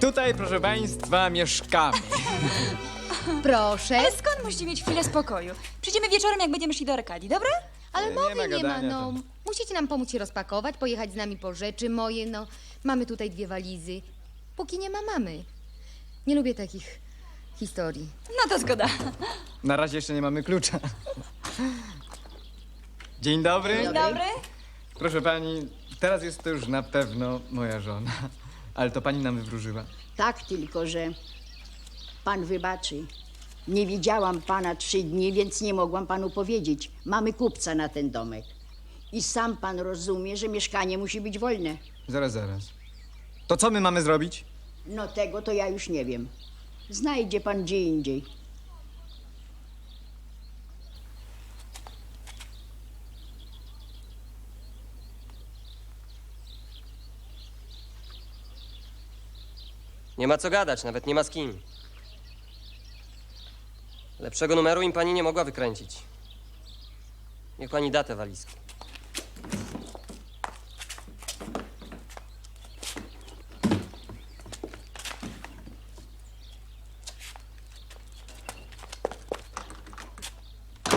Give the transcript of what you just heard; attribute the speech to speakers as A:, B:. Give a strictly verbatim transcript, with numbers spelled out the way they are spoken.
A: tutaj, proszę państwa, mieszkamy.
B: Proszę.
C: Ale skąd musicie mieć chwilę spokoju? Przyjdziemy wieczorem, jak będziemy szli do Arkadii, dobra?
B: Ale
A: Nie
B: mowy
A: ma
B: nie ma,
A: gadania
B: no.
A: tam.
B: Musicie nam pomóc się rozpakować, pojechać z nami po rzeczy moje, no. Mamy tutaj dwie walizy. Póki nie ma mamy. Nie lubię takich historii.
C: No to zgoda.
A: Na razie jeszcze nie mamy klucza. Dzień dobry.
C: Dzień dobry.
A: Proszę pani, teraz jest to już na pewno moja żona. Ale to pani nam wywróżyła.
D: Tak, tylko że pan wybaczy. Nie widziałam pana trzy dni, więc nie mogłam panu powiedzieć. Mamy kupca na ten domek. I sam pan rozumie, że mieszkanie musi być wolne.
A: Zaraz, zaraz. To co my mamy zrobić?
D: No tego to ja już nie wiem. Znajdzie pan gdzie indziej.
E: Nie ma co gadać, nawet nie ma z kim. Lepszego numeru im pani nie mogła wykręcić. Niech pani da te walizki.